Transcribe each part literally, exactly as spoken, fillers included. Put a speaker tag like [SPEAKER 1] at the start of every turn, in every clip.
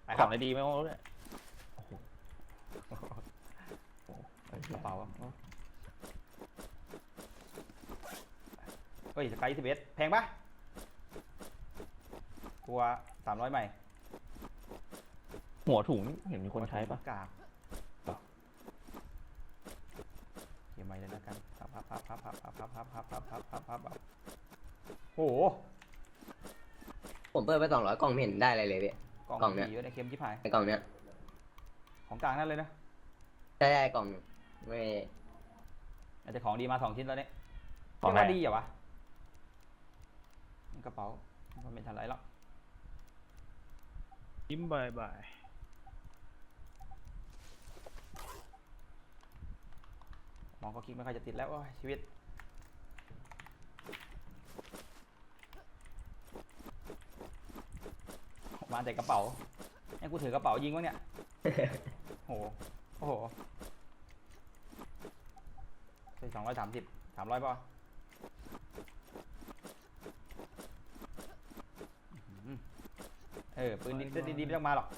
[SPEAKER 1] ของอะไรดีไม่รู้เลย
[SPEAKER 2] กระเป๋าเฮ้ยสกายยี่สิบเอ็ดแพงปะกลัวสามร้อยใหม่
[SPEAKER 1] หัวถุงเห็นมีคนใช้ปะ
[SPEAKER 2] กากเกี่ยวใหม่เลยนะกันพับพับพับพับพับพับพับพับพับพับพับพับพับโอ้โห
[SPEAKER 3] ผมเปิดไปสองร้อยกล่องไม่เห็นได้อะไรเลยพี่
[SPEAKER 2] กล่องเนี้ยเยอะในเค็มชิบหาย
[SPEAKER 3] ในกล่องเนี้ย
[SPEAKER 2] ของกลางนั่นเลยนะ
[SPEAKER 3] ใช่ใช่กล่องไม่
[SPEAKER 2] อาจจะของดีมาสองชิ้นแล้วเนี่ย
[SPEAKER 1] ของอะไร
[SPEAKER 2] ดีเหรอวะกระเป๋ามันเป็นทันไรแล้ว
[SPEAKER 4] ยิ้มบายบาย
[SPEAKER 2] มองก็คลิกไม่ค่อยจะติดแล้วชีวิตมาแต่กระเป๋าไอ้กูถือกระเป๋ายิงวะเนี่ยโอ้โหโอ้โหใช่สองร้อยสามสิบสามร้อยป่ะเออปืนดีดีไม่ต้องมาหรอก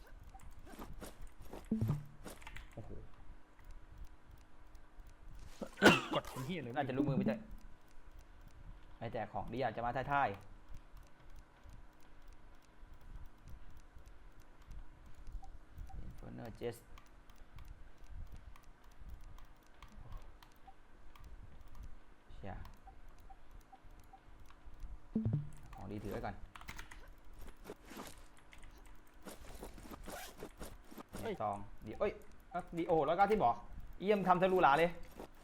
[SPEAKER 2] โอ้โห
[SPEAKER 4] กดที่เลย
[SPEAKER 2] น่าจะรู้มือไม่ใช่ไอ้แต่ของดีอาจจะมาท้ายๆเฟอร์เนอร์เจสเชียของดีถือไว้ก่อนซองดีเอ้ยดีโอแล้วก็ที่บอกเยี่ยมทำทะลุหลาเลย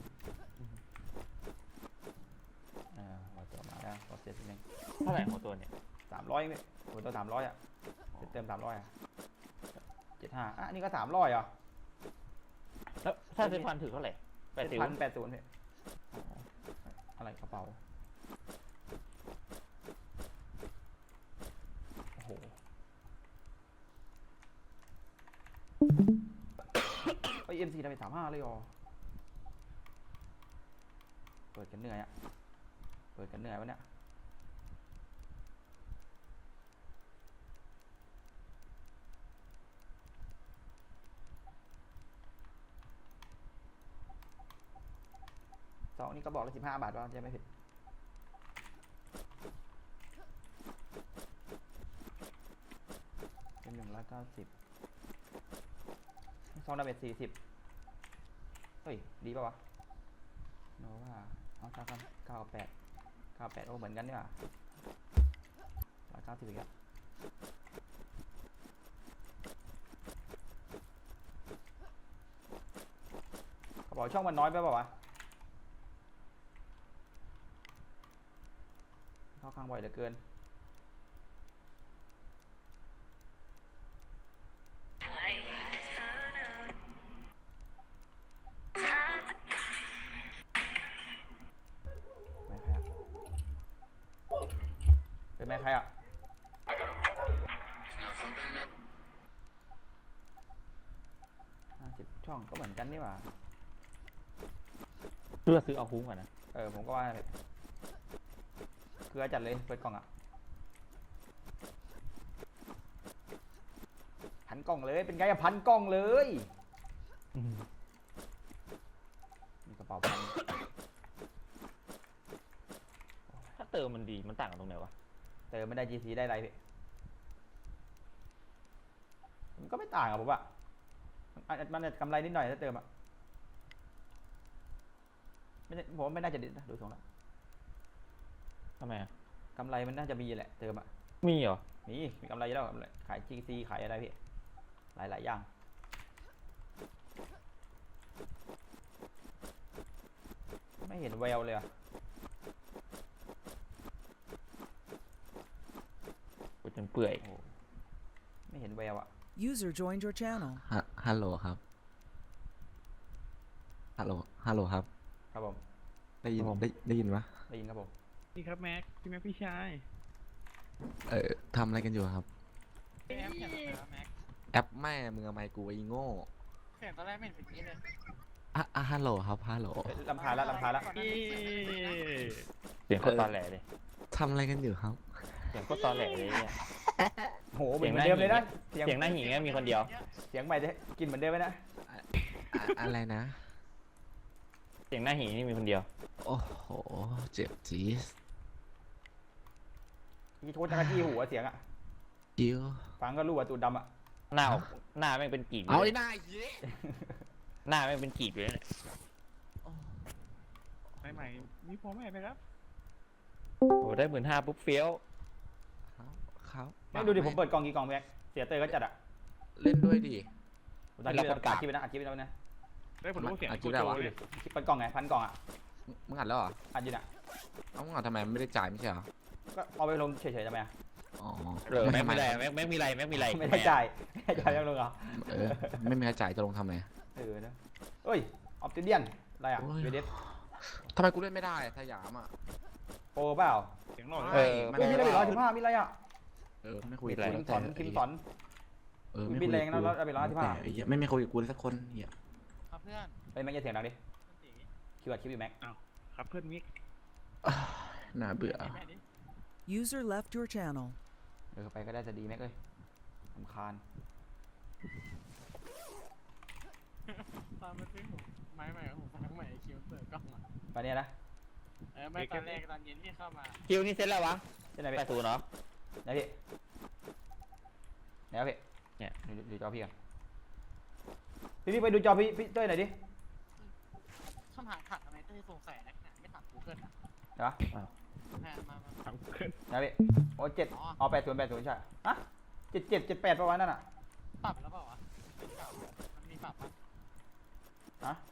[SPEAKER 2] อ่าหัวตัวมาแล้วก็เสร็จนึง
[SPEAKER 1] เท่าไหร่หัวตัวเนี่ย
[SPEAKER 2] สามร้อยเนี่ยหัวตัวสามร้อยอ่ะเติมสามร้อยอ่ะเจ็ดห้าอ่ะนี่ก็สามร้อยอ่ะ
[SPEAKER 1] แล้วถ้าเป็นพันถือเท่าไหร่แปดสิบ
[SPEAKER 2] พันแปดศูนย์เนี่ยอะไรกระเป๋าโอ้โหไอเอ็มซีทำไปสามห้าเลยอ๋อเปิดกันเหนื่อยอะเปิดกันเหนื่อยวะเนี่ยสองนี่ก็บอกเลยสิบห้าบาทว่าจะไม่ผิดเป็นหนึ่งร้อยเก้าสิบซองดาเมจสี่สิบเฮ้ยดีป่าววะโนว่าเอาซะกันเก้าแปดเก้าแปดโอ้เหมือนกันนี่หว่าร้อยเก้าสิบอีกแล้วกระเป๋าช่องมันน้อยไปป่าววะเข้าข้างบ่อยเหลือเกินเป็นแม่ใครอ่ะห้าสิบช่องก็เหมือนกันนี่หว่า
[SPEAKER 1] เพื่อซื้อเอาคุ้มก่อนนะ
[SPEAKER 2] เออผมก็ว่าเกลือจัดเลยเปิดกล่องอ่ะพันกล่องเลยเป็นไงอะพันกล่องเลยมีกระเป๋าพัน
[SPEAKER 1] ถ้าเติมมันดีมันต่างกันตรงไหนวะ
[SPEAKER 2] เติมไม่ได้ จี ซี ได้ไรพี่มันก็ไม่ต่างอะผมว่ามันกำไรนิดหน่อยถ้าเติมอะไม่ผมไม่น่าจะดิดนะดูทรงแล้ว
[SPEAKER 1] ทำไมอะ
[SPEAKER 2] กำไรมันน่าจะมีแหละเติมอะ
[SPEAKER 1] มีเหรอ
[SPEAKER 2] มีมีกำไรแล้วขาย จี ซี ขายอะไรพี่หลายหลายอย่างไม่เห็นแววเลยอะ
[SPEAKER 1] กูจนเปื่อย
[SPEAKER 2] ไม่เห็นแววอะ
[SPEAKER 5] User joined your channel
[SPEAKER 6] ฮัลโหลครับฮัลโหลฮัลโหลครับ
[SPEAKER 2] ครับผม
[SPEAKER 6] ได้ยินได้ได้ยินปะ
[SPEAKER 2] ได้ยินครับผม
[SPEAKER 4] นี่ครับแม็กพี่แม็กพี่ชาย
[SPEAKER 6] เออทำอะไรกันอยู่ครับ
[SPEAKER 4] แอปแข่งแล้วแม็ก
[SPEAKER 6] แอปแม่มึงเอาไมค์กูไอ้โง่
[SPEAKER 4] แข่งตอนแรกไม่เห็นเป็นนี้เลย
[SPEAKER 6] อ่ะอ่ะฮัลโหลครับฮัลโหล
[SPEAKER 2] ลำพาละลำพาละ
[SPEAKER 1] เสียงโคตรตอนแหลเลย
[SPEAKER 6] ทำอะไรกันอยู่ครับ
[SPEAKER 1] เสียงโคตรตอนแหลเลยเนี่ย
[SPEAKER 2] โหเหมือนเดิมเลยนะเสียง
[SPEAKER 1] เสียงหน้าหิงเนี่ยมีคนเดียว
[SPEAKER 2] เสียงใหม่จะกินเหมือนเดิมไหมนะ
[SPEAKER 6] อะอะไรนะ
[SPEAKER 1] เสียงหน้าหิงนี่มีคนเดียว
[SPEAKER 6] โอ้โห เจ็บจี๊ด
[SPEAKER 2] ยี่โทษจักรจี้หัวเสียงอ่ะ
[SPEAKER 6] คิว
[SPEAKER 2] ฟังก็รู้ว่าตูดดำอ่ะ
[SPEAKER 1] หน้าออกหน้าแม่งเป็นกีบ
[SPEAKER 6] เอา
[SPEAKER 1] เล
[SPEAKER 6] ไอ้
[SPEAKER 1] ย
[SPEAKER 6] หน้าเหี้ย
[SPEAKER 1] หน้าแม่งเป็นกีบเลยเนี่ย
[SPEAKER 4] ใหม่ๆมีพอไหมไหมครับ
[SPEAKER 1] โอ้ได้หมื่นห้าปุ๊บเฟี้ยว
[SPEAKER 6] เขา
[SPEAKER 2] ไม่ดูดิผมเปิดกล่องกี่กล่องแม็กเสียเตยก็จัดอ่ะ
[SPEAKER 6] เล่นด้วยดิ
[SPEAKER 2] ตอนนี้เราอัดคลิปไปนะอัดคลิปไปแล้วนะ
[SPEAKER 4] ได้ผลรู้เสียง
[SPEAKER 6] อ่ะ
[SPEAKER 4] โค
[SPEAKER 6] คิด
[SPEAKER 4] โจ
[SPEAKER 6] ได้วะ
[SPEAKER 4] เลย
[SPEAKER 2] คลิปเปิดกล่องไงพันกล่องอ่ะ
[SPEAKER 6] มึงอัดแล้วเหรอ
[SPEAKER 2] อัดอยู่น่ะ
[SPEAKER 6] เอ้ามึงอัดทำไมมันไม่ได้จ่ายไม่ใช่เหรอ
[SPEAKER 2] ก็เอาไปลงเฉยๆทำไมอ่ะ
[SPEAKER 6] อ๋อ
[SPEAKER 1] เออแม่งมีอะไรแม่งแม่งมีอะไรแม่งมีอะไร
[SPEAKER 2] ไม่ได้จ่ายไม่ได้จ่ายยังลงเหรอ
[SPEAKER 6] เออ ไม่มีใครจ่ายจะลงทำไม
[SPEAKER 2] เออนะเอ้ยออฟติเดียนอะไรอ่ะ
[SPEAKER 6] โอ้ย
[SPEAKER 2] เวเดส
[SPEAKER 6] ทำไมกูเล่นไม่ได้อะสยามอ่ะ
[SPEAKER 2] โปรเปล่า
[SPEAKER 4] เสียงหล่อ
[SPEAKER 1] เออ
[SPEAKER 6] มัน
[SPEAKER 2] เฮ้ยมีอะไรร้อยสิบห้ามีอะไรอ่ะ
[SPEAKER 6] เออไม่คุย
[SPEAKER 1] มี
[SPEAKER 6] กับ
[SPEAKER 1] อะไร
[SPEAKER 6] กู
[SPEAKER 2] คิม
[SPEAKER 6] ตั้ง
[SPEAKER 2] ส
[SPEAKER 6] แต่
[SPEAKER 2] อนคิมสอน
[SPEAKER 6] เออ
[SPEAKER 2] มี
[SPEAKER 6] ไม่
[SPEAKER 2] บิ
[SPEAKER 6] คุ
[SPEAKER 2] น
[SPEAKER 6] ย
[SPEAKER 2] แร
[SPEAKER 6] กับ
[SPEAKER 2] ง
[SPEAKER 6] กู
[SPEAKER 2] นะแล้วเอาไปร้อยสิบห้า
[SPEAKER 6] แต่ไอ้เหี้ยไม่ไม่คุยกับกูเลยสักคนเหี้ย
[SPEAKER 4] ครับเพื่อน
[SPEAKER 2] เอ้ยแม็กจะเสียงดังดิ
[SPEAKER 4] ตี
[SPEAKER 2] คิวอัดคลิปอยู่แม็ก
[SPEAKER 4] ครับเพื่อนมิก
[SPEAKER 6] น่าเบื่อ
[SPEAKER 4] แม่ดิ
[SPEAKER 5] User left your channel.
[SPEAKER 2] เออไปก็ได้จะดีแม็กเอ้ยสำคาญ
[SPEAKER 4] ตอนมาซื้อหูไม้ใหม่ของผมฟังใหม่คิวเปิดกล้องอ่ะ
[SPEAKER 2] ไปเนี่ยนะ
[SPEAKER 4] เออไม่ตอนแรกตอนเย็นที่เข้ามา
[SPEAKER 1] คิวนี่เซ็ตแล้ววะ
[SPEAKER 2] เช่นไหน
[SPEAKER 1] แป
[SPEAKER 2] พี่
[SPEAKER 1] ดศูนย์เนาะ
[SPEAKER 2] ไหนพี่ไหนวะพี่
[SPEAKER 1] เนี่ย
[SPEAKER 2] ดูดูจอพี่กันพี่พี่ไปดูจอพี่พี่เต้ยหน่อยดิ
[SPEAKER 4] คำถามถัดทำไมเต้ยสงสัยนักหนาไม่ถามกูเกิลอ่ะ
[SPEAKER 2] เดี๋ยว
[SPEAKER 4] มามามาถามกูเกิล
[SPEAKER 2] นะพี่โอ้เจ็ด
[SPEAKER 4] อ๋อ
[SPEAKER 2] เอาแปดศูนย์แปดศูนย์ใช่ฮะเจ็ดเจ็ดเจ็ดแปดประมาณนั้นอ่ะ
[SPEAKER 4] ปรับแล้วเปล่าวะเป็นเก่ามันมีปรับปะ
[SPEAKER 2] ฮะ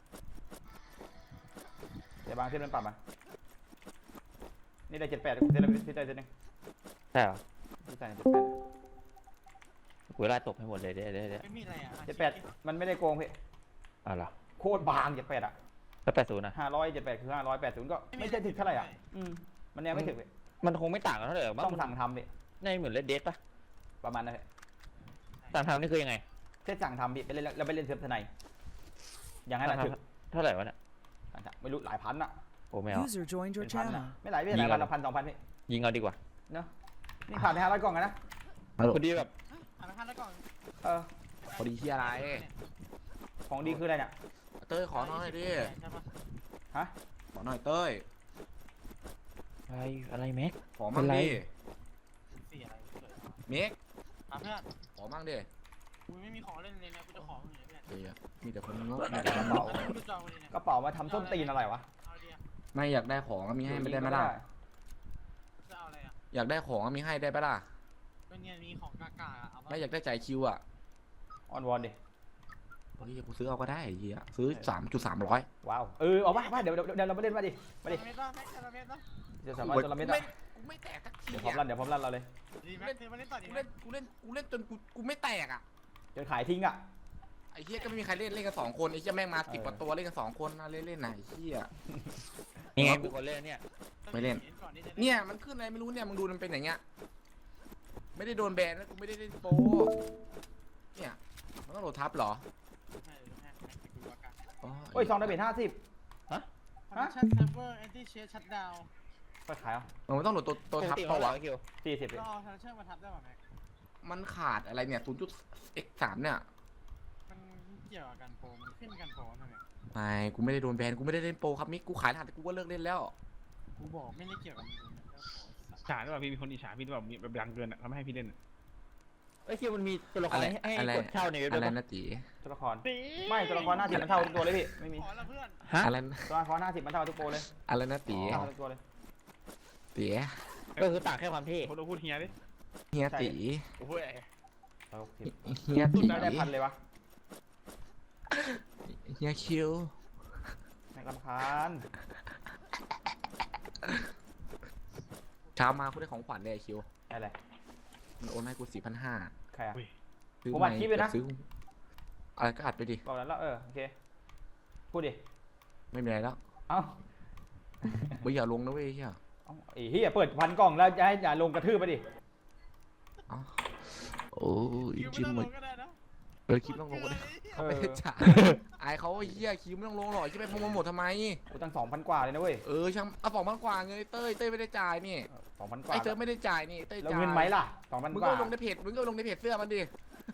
[SPEAKER 2] เดี๋ยวบางเส้นมันปรับมานี่ได้เจ็ดแปดเส้นละพี่เต้ยเส้นหนึ่ง
[SPEAKER 1] ใช่เหรอ
[SPEAKER 2] พี่ใส่เจ็ดแปด
[SPEAKER 1] กูไล่ตบให้หมดเลยเดี๋ยวเดี๋ยวเดี๋ยว
[SPEAKER 4] ไม่มีอะไรอ่ะ
[SPEAKER 2] เจ็ดแปดมันไม่ได้โกงพี่
[SPEAKER 1] เอาเหรอ
[SPEAKER 2] โคตรบางเจ็ดแปดอ่ะ
[SPEAKER 1] แล้วแปดศูนย์นะ
[SPEAKER 2] ห้าร้อยเจ็ดแปดคือห้าร้อยแปดศูนย์ก็ไม่ใช่ถึงเท่าไหร่อ่ะอืมมันยังไม่ถึงพี่
[SPEAKER 1] มันคงไม่ต่างกันเท่าไหร่หรอกมั้ง
[SPEAKER 2] ต้องสั่งทำพี่
[SPEAKER 1] ในเหมือนเลดเดสปะ
[SPEAKER 2] ประมาณนั้นพี่
[SPEAKER 1] สั่งทำนี่คือยังไง
[SPEAKER 2] แค่สั่งทำพี่ไปเล่นแล้วไปเล่นเซิร์ฟทนายอย่างนั้นแหละถึง
[SPEAKER 1] เท่าไหร่วะเนี่ย
[SPEAKER 2] สั่งทำไม่รู้หลายพันอ่ะ
[SPEAKER 1] โอ้ไม่เอา
[SPEAKER 5] User joined
[SPEAKER 2] เป็
[SPEAKER 5] your
[SPEAKER 2] นพันอ่ะ
[SPEAKER 5] channel.
[SPEAKER 2] ไม่หลายพี่หลายพันละพันสองพันพี่
[SPEAKER 1] ยิงเอาดีกว่า
[SPEAKER 2] เนาะนี่ผ่านไปห้าร้อยกล่องกันนะ
[SPEAKER 6] ฮัลโหล
[SPEAKER 1] พอดีแบบ
[SPEAKER 4] ถามไปพันแล้วก่อน
[SPEAKER 2] เออ
[SPEAKER 6] พอดีที่อะไร
[SPEAKER 2] ของดีคืออะไรเนี่ย
[SPEAKER 6] เต้ยขอหน่อยดิ
[SPEAKER 4] ใช่ปะ
[SPEAKER 2] ฮะ
[SPEAKER 6] ขอหน่อยเต้ย
[SPEAKER 1] อะไรอะไรแม็ก
[SPEAKER 6] ขอมั่ง
[SPEAKER 1] เป็นไร
[SPEAKER 6] ดิ
[SPEAKER 4] สี่อะไรเกิด
[SPEAKER 6] เมก
[SPEAKER 4] ถามเพื่อน
[SPEAKER 6] ขอมั่งดิ
[SPEAKER 4] กูไม่มีของเล่นเลยนะกูจะขอมึงเลยเพื่อน
[SPEAKER 6] เฮ้ยมีแต่คนงกมีแต่คน
[SPEAKER 2] กระเป๋า
[SPEAKER 4] แล้วกูจะจองเลยเนี่ย
[SPEAKER 2] กระเป๋ามาทำส้นตีนอะไรวะ
[SPEAKER 4] เอาเดียว
[SPEAKER 6] ไม่อยากได้ของก็มีให้ไม่ได้ไหมล่ะ
[SPEAKER 4] จะเอาอะไรอ่ะ
[SPEAKER 6] อยากได้ของก็มีให้ได้ปะล่ะ
[SPEAKER 4] เป็นเนี่ยมีของกากาเอา
[SPEAKER 6] ไม่อยากได้จ่ายคิวอ่ะ
[SPEAKER 2] ออนวอนดิ
[SPEAKER 6] เฮ้ยกูซื้อเอาก็ได้ไอ้เหี้ยซื้อสามจุดสามร้อย
[SPEAKER 2] ว้าวเออเอาป่ะป่ะเดี๋ยวเดี๋ยวเดี๋ยวเราไปเล่นมาดิมาดิ
[SPEAKER 4] เมตรป่ะแม็กซ์เมตรป่ะ
[SPEAKER 2] เดี๋ยวสามารถจะละเม็ดอ่ะ
[SPEAKER 6] กูไม่แตกสักที
[SPEAKER 2] เดี๋ยวพร้อมลั่นเดี๋ยวพร้อมลั่นเราเลย
[SPEAKER 4] ดีแม็กซ์เธอมาเล่นต่อดี
[SPEAKER 6] กู
[SPEAKER 4] ไหม
[SPEAKER 6] เล่นกูเล่นกูเล่นจนกูกูไม่แตกอ่ะ
[SPEAKER 2] จนขายทิ้งอ่ะ
[SPEAKER 6] ไอ้เหี้ยก็ไม่มีใครเล่นเล่นกันสองคนไอ้เหี้ยแม่งมาสิบ
[SPEAKER 2] เออ
[SPEAKER 6] กว่าตัวเล่นกันสองคนนะเล่นเล่นไหนะไอ้เหี้ย
[SPEAKER 1] ยังไงเป็นคนเล่นเนี่ย
[SPEAKER 6] ไม่เล่น
[SPEAKER 4] ก่อนที่จะ
[SPEAKER 6] เนี่ยมันขึ้นอะไรไม่รู้เนี่ยมึงดูมันเป็นอย่างเงี้ยไม่ได้โดนแบนนะกูไม่ได้เล่นโปรเนี่ยมันต้องโหลดทับเหรอ อ๋อ
[SPEAKER 2] โอ้ยซองดาเมจห้าสิบ
[SPEAKER 4] คอนเนคชั่นเซิร์ฟเวอร์แอนตี้เชสชัตดาวน์
[SPEAKER 2] ก็ขายอ่ะ
[SPEAKER 6] เออมันต้องโหลดตัวตัวทับ
[SPEAKER 1] ปกติ
[SPEAKER 6] เปล่าวะ
[SPEAKER 1] เท่าไหร่คิว
[SPEAKER 2] สี่สิบ
[SPEAKER 4] ก็เอาคอนเนคชั่นมาทับได้ป่ะแม็ก
[SPEAKER 6] มันขาดอะไรเนี่ยศูนย์จุด x สามเนี่ย
[SPEAKER 4] มันเกี่ยวกับการโปรมันขึ้นการโปรทำไม
[SPEAKER 6] ไม่กูไม่ได้โดนแบนกูไม่ได้เล่นโปรครับมิกกูขายรหัสแต่กูก็เลิกเล่นแล้ว
[SPEAKER 4] กูบอกไม่ได้เกี่ยวกับมึงนะ
[SPEAKER 7] อิจฉาหรือเปล่าพี่มีคนอิจฉาพี่หรือเปล่ามีแบบดังเกินอ่ะทำให้พี่เล่นอะ
[SPEAKER 1] เอ้ยคิวมันมีตัวละคร
[SPEAKER 6] อะไร
[SPEAKER 1] ให้ให้
[SPEAKER 6] อะไร
[SPEAKER 1] กดเช่าในเว็บ
[SPEAKER 6] อะไร
[SPEAKER 1] ด้วยปะ
[SPEAKER 6] นะตี
[SPEAKER 2] ตัวละครไม่ตัวละครห้าสิบมันเท่าทุกตัวเลยพี่ไม่มี
[SPEAKER 4] ขอละเพื่อน
[SPEAKER 1] ฮะ
[SPEAKER 6] อะไร
[SPEAKER 2] ตัวละครห้าสิบมันเท่าทุกโปรเลย
[SPEAKER 6] อะไรนะตี
[SPEAKER 2] เท่าทุกตัวเลย
[SPEAKER 6] ตี
[SPEAKER 1] ก็คือต่างแค่ความเท่
[SPEAKER 7] โคตรพูดเฮียดิ
[SPEAKER 6] เฮียตี
[SPEAKER 7] โอ้โห
[SPEAKER 2] เอาสิบ
[SPEAKER 6] เฮียตี
[SPEAKER 2] ไม่ได้พันเลยวะ
[SPEAKER 6] เฮียคิว
[SPEAKER 2] แม่งรำคาญ
[SPEAKER 6] เช้ามากูได้ของขวัญเลยไอ้คิว
[SPEAKER 2] อะไร
[SPEAKER 6] มันโอนให้กูสี่พันห้า
[SPEAKER 2] ใครอ่ะ
[SPEAKER 6] ซื้อ
[SPEAKER 2] ผมอัดคลิปเลยนะ
[SPEAKER 6] ซื้ออะไรก็อัดไปดิ
[SPEAKER 2] บอกแล้วแล้วเออโอเคพูดดิ
[SPEAKER 6] ไม่มีอะไรแล้ว
[SPEAKER 2] เอ้า
[SPEAKER 6] ไม่อย่าลงนะเว้ยเฮีย
[SPEAKER 2] เอ้าไอ้เหี้ยเปิดพันกล่องแล้วจะให้อย่าลงกระทืบไปดิ
[SPEAKER 6] โอ้ย
[SPEAKER 4] คิวไม่
[SPEAKER 6] จิ้ม
[SPEAKER 4] ต้อง
[SPEAKER 6] หม
[SPEAKER 4] ล
[SPEAKER 6] ด
[SPEAKER 4] งก็ได้นะ
[SPEAKER 6] ออคลิปต้องลงเลยเขาไม่ได้จ่ายไอเขาไอ้เหี้ยคลิปไม่ต้องลงหรอกจะไปโปรโมททำไม
[SPEAKER 2] กูตั้งสองพันกว่าเลยนะเว้ย
[SPEAKER 6] เออช่างเอาสองพันกว่าเงินเต้ยเต้ยไม่ได้จ่ายนี่
[SPEAKER 2] สองพันกว่า
[SPEAKER 6] ไอเต้ยไม่ได้จ่ายนี่เต้ย
[SPEAKER 2] แล้ว
[SPEAKER 6] จ่าย
[SPEAKER 2] เงินไหมล่ะสองพัน
[SPEAKER 6] มึง
[SPEAKER 2] ก
[SPEAKER 6] ก็
[SPEAKER 2] ว่า
[SPEAKER 6] ลงในเพจมึงก็ลงในเพจเสื้อมันดิ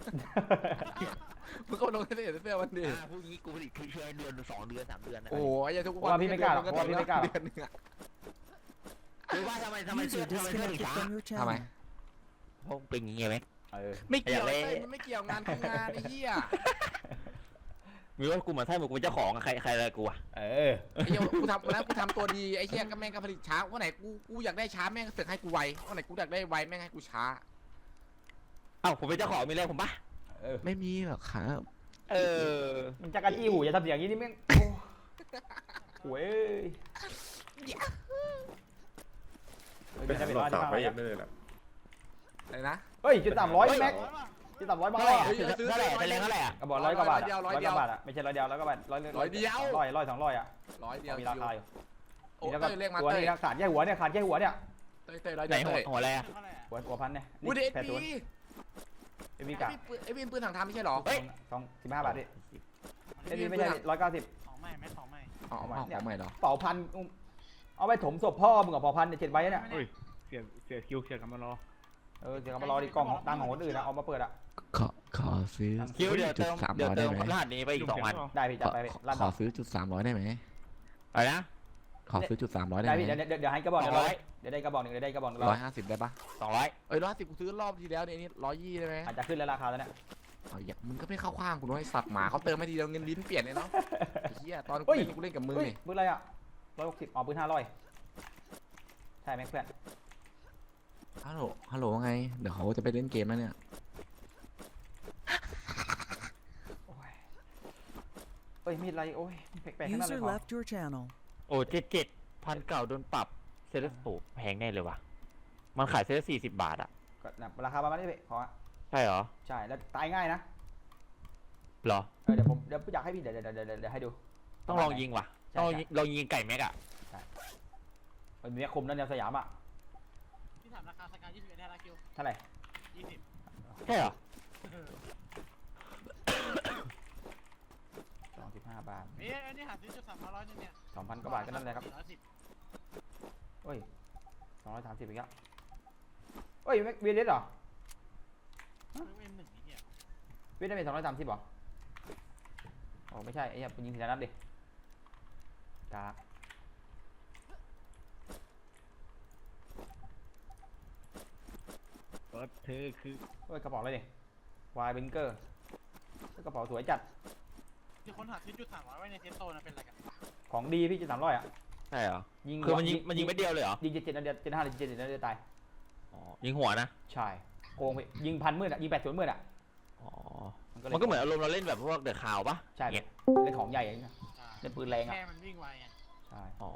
[SPEAKER 6] มึงก็ลงในเพจเสื้อมันดิ
[SPEAKER 8] อ่าพวกนี้กูผลิตคือช่วยเดือนสองเดือนสามเดือนนะ
[SPEAKER 6] โอ้ยอย่าทุก
[SPEAKER 2] เพ
[SPEAKER 6] วั
[SPEAKER 2] ราะว่าพี่ไม่กล้าหรอก
[SPEAKER 6] ดือน
[SPEAKER 2] เพราะว่าพี่ไม่กล้าหรอก
[SPEAKER 6] เดือนหนึงอะ
[SPEAKER 8] คือว่าทำไมทำไมเสื้อ
[SPEAKER 5] User
[SPEAKER 8] ทำไมเสื้อถึง
[SPEAKER 5] disconnected
[SPEAKER 8] ช้า
[SPEAKER 5] from your
[SPEAKER 6] ทำไม
[SPEAKER 5] channel.
[SPEAKER 8] เพราะเป็นอย่างเงี้ยไหม
[SPEAKER 2] เออ
[SPEAKER 6] ไม่เกี่ยว
[SPEAKER 8] อยากเล่
[SPEAKER 6] เต้ยมันไม่เกี่ยวงานคืองานไอ้เหี้ย
[SPEAKER 8] มีว่ากูเหมือนไส้หมึกกูเป็นเจ้าของอะใครใครอะไรกูอะ
[SPEAKER 2] เออ
[SPEAKER 6] ไอ้เหี้ยกูทำวันนั้นกูทำตัวดีไอ้เหี้ยก็แม่งก็ผลิตช้าวันไหนกูกูอยากได้ช้าแม่งก็เสือกให้กูไววันไหนกูอยากได้ไวแม่งให้กูช้า
[SPEAKER 8] เอ้าผมเป็นเจ้าของมีอะไรผมปะ
[SPEAKER 2] เออ
[SPEAKER 6] ไม่มีหรอกครับ
[SPEAKER 8] เออ
[SPEAKER 2] มันจักรจี้หูอย่าทำเสียงอย่างนี้นี่แม่งโอ้โหเอ้ย
[SPEAKER 9] เป็นหลอกสาวไปยังได้เลยล่ะ
[SPEAKER 6] อะไรนะ
[SPEAKER 2] เฮ้ยจุดสามร้อยแม็กจุดสามร้อยบาท
[SPEAKER 8] เท่าไหร่
[SPEAKER 2] อะ
[SPEAKER 8] อะเท่าไหร่เป็นแรงเท่าไหร่อะ
[SPEAKER 2] กระบอกร้อยกว่าบาท
[SPEAKER 6] ร้อยเดียว
[SPEAKER 2] ร้อยกว่าบาทอะไม่ใช่ร้อยเดียวร้อยกว่าบาทร้อย
[SPEAKER 6] ร้อยเดียว
[SPEAKER 2] ร้อยร้อยสองร้อยอะ
[SPEAKER 6] ร้อยเดียว
[SPEAKER 2] มีราคาอยู่
[SPEAKER 6] โอ้
[SPEAKER 2] นี่แล้วก็
[SPEAKER 6] เต้ยเรียกมา
[SPEAKER 2] ตัว
[SPEAKER 6] เต้ย
[SPEAKER 2] นี้นะขาดแค่หัวเนี่ยขาดแค่หัวเนี่ย
[SPEAKER 6] เต้ยเต้ยร้อย
[SPEAKER 8] ไหน
[SPEAKER 6] เดียว
[SPEAKER 8] หัว
[SPEAKER 6] เต้ย
[SPEAKER 8] หัวอะไรอะ
[SPEAKER 4] เท่าไหร่อะ
[SPEAKER 2] หัวหัวพันเนี่ย
[SPEAKER 6] วูดเอ็ด
[SPEAKER 2] แปดศูนย์
[SPEAKER 6] ดี
[SPEAKER 2] เอ็มวีกะ
[SPEAKER 6] ไอ้วินปืนถังทำไม่ใช่หรอ
[SPEAKER 8] เฮ้ย
[SPEAKER 2] สองสิบห้าบาทดิ
[SPEAKER 6] ไอ้
[SPEAKER 2] เอ็ม
[SPEAKER 6] วิ
[SPEAKER 2] วี
[SPEAKER 6] น
[SPEAKER 2] ไม่
[SPEAKER 6] ปืน
[SPEAKER 2] ใช่
[SPEAKER 6] ถัง
[SPEAKER 2] ร้อยเก้าสิบ
[SPEAKER 4] ของใหม่ไหมของใหม่
[SPEAKER 6] อ๋อเอาของใหม่เหรอ
[SPEAKER 2] เป่าพันเอาไปถมศพพ่อมึงกับเป่าพันเนี่ยเจ็ดใบเนี่ย
[SPEAKER 7] เฮ้ยเสียเสียคิวเสียกำมารอ
[SPEAKER 2] เออเดี๋ยวเอามารอดิกล่องของตังค์ของคนอื่นนะเอามาเปิดอะ
[SPEAKER 6] ขอขอซื้อ
[SPEAKER 8] คิวเดี๋ยวเติม
[SPEAKER 6] จุดสาม
[SPEAKER 8] เดี๋ยว
[SPEAKER 6] ร้อย
[SPEAKER 8] เติ
[SPEAKER 6] ได้
[SPEAKER 8] ม
[SPEAKER 6] ไหม
[SPEAKER 8] รหัสนี้ไปอีกสองวัน
[SPEAKER 2] ได้พี่จัดไปพี่ลั่น
[SPEAKER 6] ข
[SPEAKER 2] ต่
[SPEAKER 6] อ
[SPEAKER 2] อ
[SPEAKER 6] ซื้อจุดสามร้อยได้ไหม
[SPEAKER 8] อะไรนะ
[SPEAKER 6] ขอซื้อจุดสามร้อยได้
[SPEAKER 2] ได้
[SPEAKER 6] ไหม
[SPEAKER 2] พี่เดี๋ยวเดี๋ยวเดี๋ยวให้กระบอกหนึ่ง
[SPEAKER 8] สองร้
[SPEAKER 2] ร้อ
[SPEAKER 8] อย ย
[SPEAKER 2] เดี๋ยวได้กระบอกหนึ่งเดี๋ยวได้กระบอกหนึ่ง
[SPEAKER 6] ร้
[SPEAKER 2] ร้
[SPEAKER 6] อ
[SPEAKER 2] อย ย
[SPEAKER 6] ห้าสิบได้ปะ
[SPEAKER 8] สองร้อย
[SPEAKER 6] เอ้ยร้อยห้าสิบกูซื้อรอบที่แล้วเนี่ยนี่ร้อยยี่ได้ไหม
[SPEAKER 2] อาจจะขึ้นแล้วราคาแล้วเนี่ย
[SPEAKER 6] เอาอย่ามึงก็ไม่เข้าข้างกูน้อยสัตว์หมาเขาเติมให้ทีเดียวเงินลิ้นเปลี่ยนเลยเนาะไอ้เหี้ยตอนกูเล่นกูเล่นกับมือ
[SPEAKER 2] เฮ้ย
[SPEAKER 6] นี่
[SPEAKER 2] ปืนอะไรอ่ะร้อยหกสิบอ๋อปืนห้าร้อยใช่ไหมเพื่อน
[SPEAKER 6] ฮัลโหลฮัลโหลว่าไงเดี๋ยวเขาจะไปเล่นเกมแล้วเนี่ย
[SPEAKER 2] โอ้ยเอ้ยมีอะไรโอ้ยแปลกๆทั้งนั้นเลย
[SPEAKER 5] User
[SPEAKER 2] พอ
[SPEAKER 5] left your channel.
[SPEAKER 8] โอ้เจ็ดเจ็ดพันเก่าโดนปรับเซเลสโปแพงแน่เลยวะมันขายเซเลสสี่สิบบาทอะ
[SPEAKER 2] ก็นะราคาประมาณนี้พี่ขอ
[SPEAKER 8] ใช่เหรอ
[SPEAKER 2] ใช่แล้วตายง่ายนะ
[SPEAKER 8] เหรอ
[SPEAKER 2] เออเดี๋ยวผมเดี๋ยวอยากให้พี่เดี๋ยวเดี๋ยวเดี๋ยวเดี๋ยวให้ดู
[SPEAKER 8] ต้องลองยิงว่ะ
[SPEAKER 2] ใช่
[SPEAKER 8] ต้องลอง
[SPEAKER 2] ใช่
[SPEAKER 8] ยิงลองยิงไก่แม็กอะ
[SPEAKER 2] มันมีคมนั่นแนวสยามอ่ะ
[SPEAKER 4] ที่ถามราคาสกายยี่สิบเอ็ดได้ละคิว
[SPEAKER 2] เท่าไหร่
[SPEAKER 4] ยี่สิบ
[SPEAKER 8] ใช่เหรอ
[SPEAKER 2] สองสิบห้าบาท
[SPEAKER 4] เอ้ยอันนี้หาซื้อจุดสามร้อยนึงเนี่ย
[SPEAKER 2] สองพันกว่าบาทก็นั่นเลยครับ
[SPEAKER 4] สี่ร้อยสิบ
[SPEAKER 2] เอ้ยสองร้อยสามสิบอีกแล้วเอ้ยเวียดเดสเหรอ
[SPEAKER 4] เอ็มหนึ่งนี่เนี่ย
[SPEAKER 2] เวียดเดสเป็นสองร้อยสามสิบเหรอโอ้ไม่ใช่ไอ้เหี้ยยิงทีละนัดดิกาก
[SPEAKER 7] เปิดเธอคือ
[SPEAKER 2] เอ้ยกระเป๋าอะไรดิวายเบนเกอร์กระเป๋าสวยจัด
[SPEAKER 4] ที่คนหาซื้อจุดสามร้อยไว้ในเซฟโซนนะเป็นอะไรกัน
[SPEAKER 2] ของดีพี่จุดสามร้อยอ่ะ
[SPEAKER 8] ใช่เหรอ
[SPEAKER 2] ยิง
[SPEAKER 8] คือมันยิงมันยิงไม่เดียวเลยเหรอ
[SPEAKER 2] ยิงเจ็ดเจ็ดนัดเดียวเจ็ดห้าหรือเจ็ดเจ็ดนัดเดียวตาย
[SPEAKER 8] อ๋อยิงหัวนะ
[SPEAKER 2] ใช่โกงไปยิงพันมืดอ่ะยิงแปดศูนย์มืดอ่ะ
[SPEAKER 8] อ๋อ
[SPEAKER 2] เลย
[SPEAKER 8] มันก็เหมือนอารมณ์เราเล่นแบบพวกเดอะข่าวปะ
[SPEAKER 2] ใช่
[SPEAKER 8] เนี่ย
[SPEAKER 2] เล่นของใหญ่อย่างเงี้ย
[SPEAKER 4] ใช่
[SPEAKER 2] เล่นปืนแรงอ่ะ
[SPEAKER 4] แค่มันวิ่งไวไง
[SPEAKER 2] ใช่
[SPEAKER 8] อ๋อ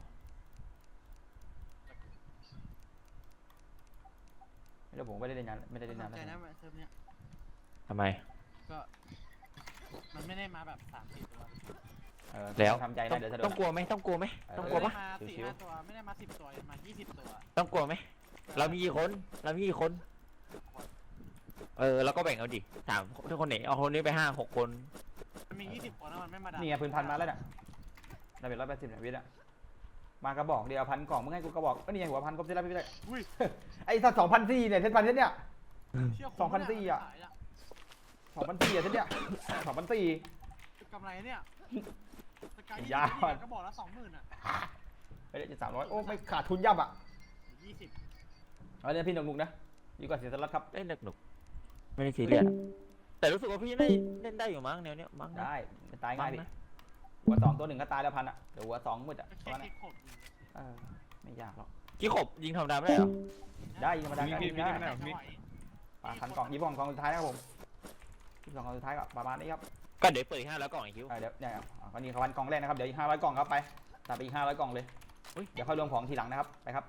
[SPEAKER 2] แล้วผมไม่ได้เล่นนานไม่ได้เล่น
[SPEAKER 4] ส
[SPEAKER 2] นาน
[SPEAKER 4] น
[SPEAKER 2] แล้ว
[SPEAKER 4] ใจนะเซิร์ฟเนี้ย
[SPEAKER 8] ทำไม
[SPEAKER 4] ก็มันไม่ได้มาแบบสามสี่ตัว
[SPEAKER 2] เออ
[SPEAKER 8] แล้ว
[SPEAKER 2] ทำใจ
[SPEAKER 8] ต้อ
[SPEAKER 2] นะ
[SPEAKER 8] ง
[SPEAKER 2] เดี๋ยวจะโด
[SPEAKER 8] ต้อน งกลัวไหมต้องกลัวไหมต้องกลัว
[SPEAKER 4] ไม่
[SPEAKER 8] ปะ
[SPEAKER 4] ได้มาสี่
[SPEAKER 2] ชิวๆ
[SPEAKER 4] ห้าตัวไม่ได้มาสิบตัวมายี่สิบตัว
[SPEAKER 8] ต้องกลัวไหมเรามีกี่คนเรามีกี่คน เออแล้วก็แบ่งเอาดิสามทุกคนไหนเอาคนนี้ไปห้าหกคน
[SPEAKER 4] มันมียี่สิบคนแล้วมันไม่มาด่า
[SPEAKER 2] นี่ไงปืนพันมาแล้วเนี่ยได้เป็นร้อยแปดสิบเนี่ยวิทย์อ่ะมากระบอกเดียวพันกล่องมึงให้กูกระบอกก็นี่ไงหัวพันครบเซตแล้วพี่ได้
[SPEAKER 4] อุ้ย
[SPEAKER 2] ไอ้สัตว์สองพันสี่เนี่ยเซตพันเซตเนี่ย
[SPEAKER 4] เชี่ย
[SPEAKER 2] สองพันสี่อะ
[SPEAKER 4] ขาย
[SPEAKER 2] สองพันสี่อ่ะเซตเนี่ยสองพันสี่
[SPEAKER 4] กำไรเนี่ยสกาย
[SPEAKER 2] ยาว
[SPEAKER 4] ก็บอกละสองหมื่นอ่ะ
[SPEAKER 2] ไปได้จะสามร้อยโอ้ไม่ขาดทุนยับอ่ะ
[SPEAKER 4] ยี่สิบ
[SPEAKER 2] เอาเนี่ยพี่หนุกๆนะดีกว่าเสียสลัดครับ
[SPEAKER 8] เล่นหนุกหนุกๆไม่ได้ซีเรียสแต่รู้สึกว่าพี่เล่นเล่นได้อยู่มั้งแนวเนี้ยมั้งนะ
[SPEAKER 2] ได้มันตายง่ายดิ
[SPEAKER 8] มั้งนะ
[SPEAKER 2] หัวสองตัวหนึ่งก็ตายแล้วพันอ่ะเดี๋ยวหัวสองมืดอ่ะ
[SPEAKER 4] ก็
[SPEAKER 2] ประ
[SPEAKER 4] แค่
[SPEAKER 2] มาณนั้
[SPEAKER 4] คน ลิกขบอยู่
[SPEAKER 2] เออไม่ยากหรอก
[SPEAKER 8] กี่ขบยิงธรรมดาไม่ได้เหรอ
[SPEAKER 2] ได้ยิงธรรมดา
[SPEAKER 7] มี
[SPEAKER 2] ก็
[SPEAKER 7] มี
[SPEAKER 2] ยิง
[SPEAKER 7] มี
[SPEAKER 2] ได้
[SPEAKER 7] ไม่ได้
[SPEAKER 4] จัง
[SPEAKER 7] มี
[SPEAKER 4] หวะ
[SPEAKER 2] ปาพันกล่องยี่สิบกล่องกล่องสุดท้ายนะครับผมยี่สิบสองกล่องสุดท้ายก็ประมาณนี้ครับ
[SPEAKER 8] ก็เดี๋ยวเปิดอีกห้าแล้วกล่องอีกคิว
[SPEAKER 2] เออเดี๋ยวเนี่ยอ่ะก็นี่พันกล่องแรกนะครับเดี๋ยวอีกห้าร้อยกล่องครับไปตัดไปอีกห้าร้อยกล่องเลย
[SPEAKER 8] อุ๊ย
[SPEAKER 2] เดี๋ยวค่อยรวมของทีหลังนะครับไปครับ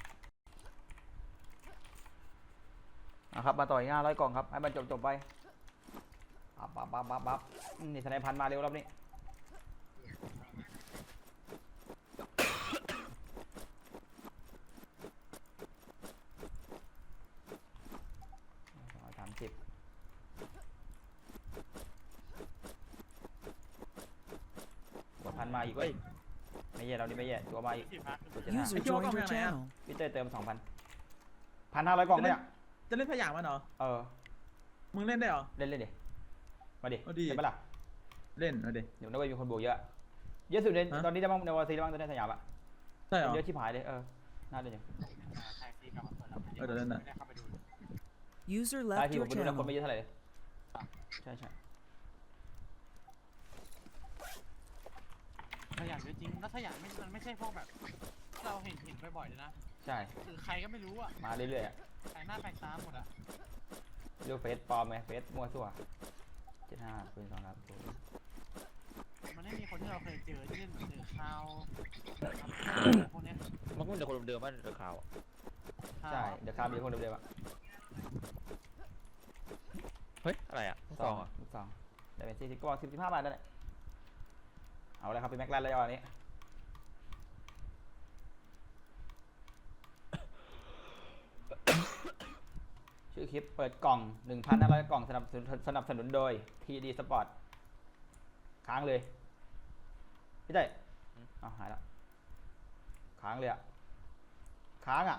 [SPEAKER 2] นะครับมาต่ออีกห้าร้อยกล่องครับให้มันจบจบๆไปปั๊บปั๊บปั๊บปั๊บปั๊บอืมนี่ทนายพันมาเร็วรอบนี้สองร้อยสามสิบอีกเว้ยไม่แย่เรานี่ไม่แย่ตัวมาอีก
[SPEAKER 4] สิบพัก
[SPEAKER 2] ตัวเจ็ดห้า
[SPEAKER 5] User joined your channel.
[SPEAKER 2] พี่เต้ยเติมสองพันพันห้าร้อยกล่องเนี่ย
[SPEAKER 10] จะเล่นสยามมันเหรอ
[SPEAKER 2] เออ
[SPEAKER 10] มึงเล่นได้เหรอ
[SPEAKER 2] เล่นเล่นดิมาดิ
[SPEAKER 10] เอาดิ
[SPEAKER 2] ใช่ปะล่ะ
[SPEAKER 10] เล่นเอาดิ
[SPEAKER 2] เดี๋ยวนักเว้ยมีคนบวกเยอะเยอะสุดใน
[SPEAKER 10] ฮะ
[SPEAKER 2] ตอนนี้ได้บ้างในวอร์ซีได้บ้างตอนนี้สยามอะ
[SPEAKER 10] ใช่เหรอ
[SPEAKER 2] เยอะชิบหายเลยเออน่าเล่นอยู่
[SPEAKER 4] ใช่ซีกลับมาเปิดแล้ว
[SPEAKER 10] เออเดี๋ยวเล่นน่ะ
[SPEAKER 4] ไม่ได้เข้าไปดู
[SPEAKER 5] User
[SPEAKER 2] ได้
[SPEAKER 5] left
[SPEAKER 2] ที่ผ
[SPEAKER 5] your
[SPEAKER 2] มไปดูแล้วคน
[SPEAKER 5] channel.
[SPEAKER 2] ไม่เยอะเท่าไหร่เลยใช่ใช่
[SPEAKER 4] สยามเยอะจริงแล้วสยามไม่มันไม่ใช่พวกแบบที่เราเห็นเห็นบ่อยๆเลยนะ
[SPEAKER 2] ใช่
[SPEAKER 4] คือใครก็ไม่รู้อ่ะ
[SPEAKER 2] มาเรื่อยๆอะ
[SPEAKER 4] ใครหน้าแปลกตาหมดอ่ะ
[SPEAKER 2] เรียกเฟซปลอมไหมเฟซมั่วซั่วเจ็ดห้าปืนสองนัด
[SPEAKER 4] มันไม่มีคนที่เราเคยเจอที่เล่นเหมือนเจอข้าวพวกเนี้ย
[SPEAKER 8] มันก็เป็นแต่คนเดิมๆบ้านเดือดขาวอะ
[SPEAKER 2] ใช่เดี๋ยวคามีคนเดิมๆอะ
[SPEAKER 8] เฮ้ย อะไรอ่ะลูกซองอ่ะ
[SPEAKER 2] ลูกซองได้เป็นสี่สิบกระบอกสิบสิบห้าบาทนั่นแหละเอาเลยครับเป็นแม็กลาแล้วอันนี้ ชื่อคลิปเปิดกล่อง หนึ่งพันห้าร้อย กล่องสนับสนุนสนับสนุนโดย ที ดี Sport ค้างเลยพี่เต้ยเอาหายแล้วค้างเลยอะค้างอะ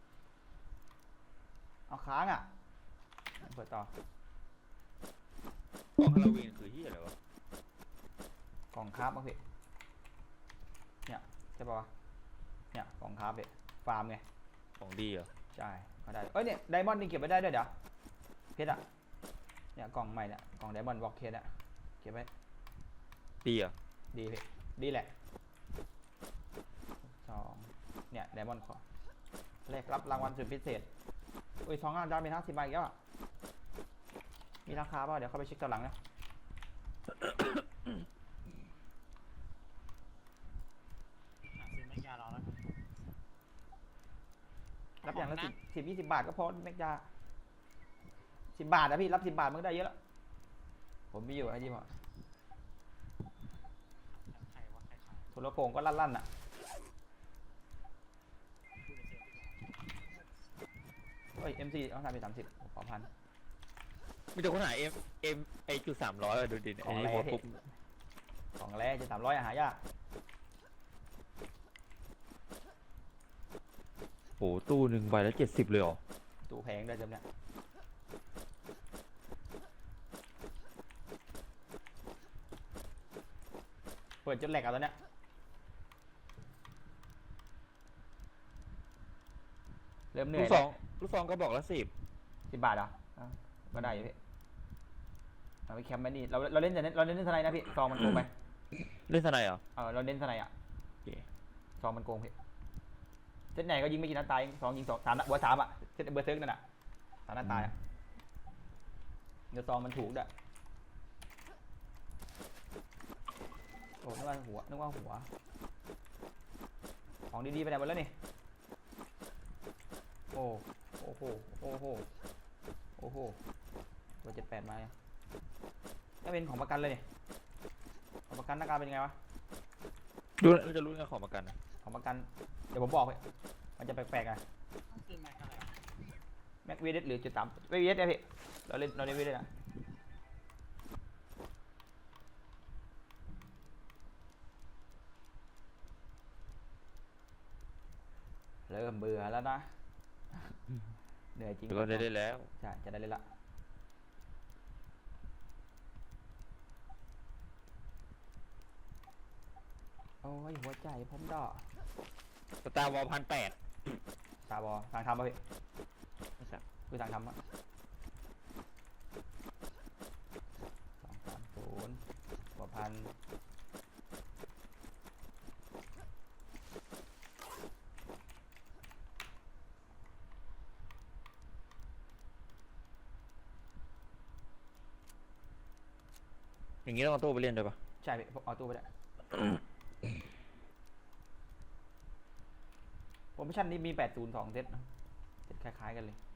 [SPEAKER 2] เอาค้างอะเปิดต่อก
[SPEAKER 8] ล่องฮาโลวีนคือที่อะไรวะ
[SPEAKER 2] กล่องคราฟมั้งพี่เนี่ยใช่ปะวะเนี่ยกล่องคราฟพี่ฟาร์มไง
[SPEAKER 8] ของดีเหรอ
[SPEAKER 2] ใช่ก็ได้เอ้ยเนี่ยไดมอนด์นี่เก็บไว้ได้ด้วยเดี๋ยวเพชรอะเนี่ยกล่องใหม่เนี่ยกล่องไดมอนด์บล็อกเพชรอะเก็บไว้
[SPEAKER 8] ดีเหรอ
[SPEAKER 2] ดีพี่ดีแหละสองเนี่ยไดมอนด์ขอแลกรับรางวัลสุดพิเศษอุ้ยสองงานดาวมีห้าสิบใบอีกแล้วอะมีราคาเปล่าเดี๋ยวเข้าไปเช็คตอนหลังนะ
[SPEAKER 4] หาซื้อแม็กยาเราแล้วกัน
[SPEAKER 2] รับอย่างละสิบสิบยี่สิบบาทก็พอแม็กยาสิบบาทนะพี่รับสิบบาทมันก็ได้เยอะแล้วผมมีอยู่ไอ้ที่พอ
[SPEAKER 4] ใครวะใครขาย
[SPEAKER 2] โทรโขงก็ลั่นๆอ่ะเฮ้ย เอ็ม ซี เอาทำไปสามสิบขอพัน
[SPEAKER 8] มีแต่คนหาเอ็มเอ็มไอจุดสามร้อยดูดิเนี่ย
[SPEAKER 2] ขอ
[SPEAKER 8] ไอ้
[SPEAKER 2] ง
[SPEAKER 8] นี่
[SPEAKER 2] แร่
[SPEAKER 8] โพสต์ปุ๊บ
[SPEAKER 2] ของแร่จะสามร้อยอาหายาก
[SPEAKER 8] โอ้ตู้หนึ่งใบละเจ็ดสิบเลยเหรอ
[SPEAKER 2] ตู้แพงด้วยจำเนี่ยเปิดจนแหลกเอาตอนเนี้ยเริ่มเหนื่
[SPEAKER 8] ลู
[SPEAKER 2] อย
[SPEAKER 8] กซองลูกซองก็บอกละสิบ
[SPEAKER 2] สิบบาทเหรออ่ะก็ได้อยู่พี่เราไปแคมป์ไว้นี่เราเราเล่นแต่เน้นเราเล่นทนายนะพี่ซองมันโกงไป
[SPEAKER 8] เล่นสไนเหรอ
[SPEAKER 2] เออเราเล่นทนายอ่ะ
[SPEAKER 8] โอเค
[SPEAKER 2] ซองมันโกงพี่เซตไหนก็ยิงไม่กี่นัดตายสองยิงสองสามนัดเบอร์สามอ่ะเซตเบอร์เซิร์กนั่นอ่ะสามนัดตายอ่ะเดี๋ยวซองมันถูกด้วยโอ้นึกว่าหัวนึกว่าหัวของดีๆไปไหนหมดแล้วนี่โอ้โอ้โหโอ้โหโอ้โหตัวเจ็ดแปดมาถ้าเป็นของประกันเลยนี่ของประกันหน้าการเป็นไงวะ
[SPEAKER 8] ดูเราจะรู้กันของประกันนะ
[SPEAKER 2] ของประกันเดี๋ยวผมบอกเลยมันจะแปลกๆไง
[SPEAKER 4] ต้องซื้อแม็กอะไรวะ
[SPEAKER 2] แม็กวีเดสหรือจุดสามวีเดสเนี่ยพี่เราเล่นเราเล่นวีเดสนะเริ่มเบื่อแล้วนะเหนื่อยจริง
[SPEAKER 8] เดี๋ยวก็ได้ได้แล้ว
[SPEAKER 2] ใช่จะได้เล่นละโอ้ยหัวใจผมดอก
[SPEAKER 8] สตาร์วอลพันแปด
[SPEAKER 2] ตาบอทางทำป่ะพี่คือทางทำอ่ะสองสามศูนย์กว่าพัน
[SPEAKER 8] อย่างงี้ต้องเอาตู้ไปเล่นด้วยปะ
[SPEAKER 2] ใช่พี่ผมเอาตู้ไปได้ โปรโมชั่นนี้มีแปดศูนย์สองเซตนะเซตคล้ายๆกันเลย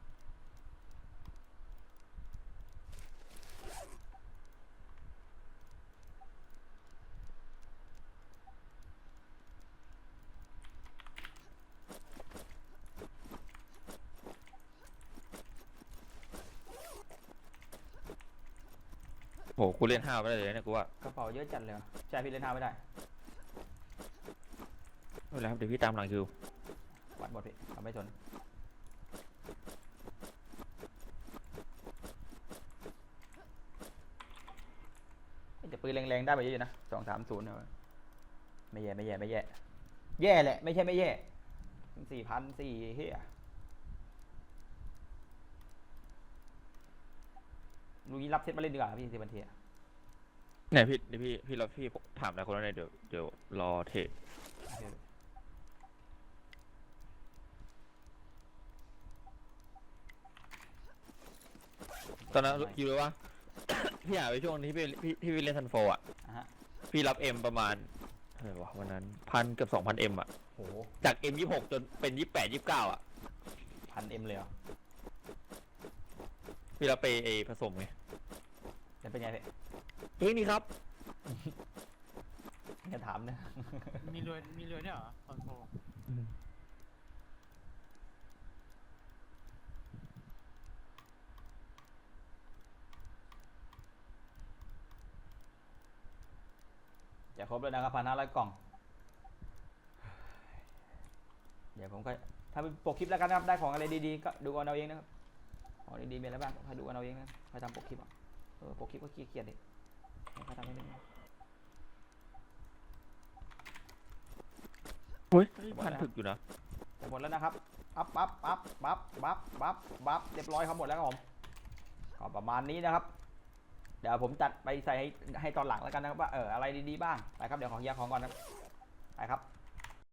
[SPEAKER 8] โหกูเล่นห้าไม่ได้เลยเนี่ยกูว่าก
[SPEAKER 2] ระเป๋าเยอะจัดเลยว่ะใช่พี่เล่นห้าไม่ได้
[SPEAKER 8] ไม่เป็นไรครับเดี๋ยวพี่ตามหลังคิว
[SPEAKER 2] วัดหมดพี่เราไม่สนแต่ปืนแรงๆได้ไปเยอะอยู่นะสองสามศูนย์ไม่แย่ไม่แย่ไม่แย่แย่แหละไม่ใช่ไม่แย่สี่พันสี่เฮียลูกนี้รับเซตมาเล่นดีกว่าพี่สิบันเทีย
[SPEAKER 8] เนี่ยพี่เดี๋ยวพี่พี่เราพี่ถามหลายคนแล้วเนี่ยเดี๋ยวเดี๋ยวรอเทรดตอนนั้นคิดเลยว่า พี่หาไปช่วงที่พี่พี่ที่พี่เล่นซันโฟอ่ะ
[SPEAKER 2] อ่ะฮะ
[SPEAKER 8] พี่รับเอ็มประมาณเท่าไหร่วะวันนั้นพันเกือบสองพันเอ็มอ่ะ
[SPEAKER 2] โห
[SPEAKER 8] จากเอ็มยี่หกจนเป็นยี่แปดยี่เก้าอ่ะ
[SPEAKER 2] พันเอ็มเลยเหรอ
[SPEAKER 8] พี่รับไปเอผสมไง
[SPEAKER 2] จะเป็นไงพี่
[SPEAKER 8] เฮ้ยนี่ครับ
[SPEAKER 2] จะถามนะ
[SPEAKER 4] มีรวยมีรวยด้วยเหรอคอนโทร
[SPEAKER 2] จะครบแล้วนะครับพันห้าร้อยกล่อง เดี๋ยวผมก็ถ้าเป็นปกคลิปแล้วกันนะครับได้ของอะไรดีๆก็ดูกันเอาเองนะครับของดีๆมีอะไรบ้างก็ให้ดูกันเอาเองนะใครทำปกคลิปอ่ะเออปกคลิปก็ขี้เกียจดิใครทำให้เล่น
[SPEAKER 8] เฮ้ยพันถึกอยู่นะ
[SPEAKER 2] จะหมดแล้วนะครับปั๊บปั๊บปั๊บปั๊บปั๊บปั๊บปั๊บเรียบร้อยครับหมดแล้วครับผมก็ประมาณนี้นะครับ เดี๋ยวผมจัดไปใส่ให้ให้ตอนหลังแล้วกันนะครับว่าเอออะไรดีๆบ้างไปครับเดี๋ยวขอเคลียร์ของก่อนนะไปครับ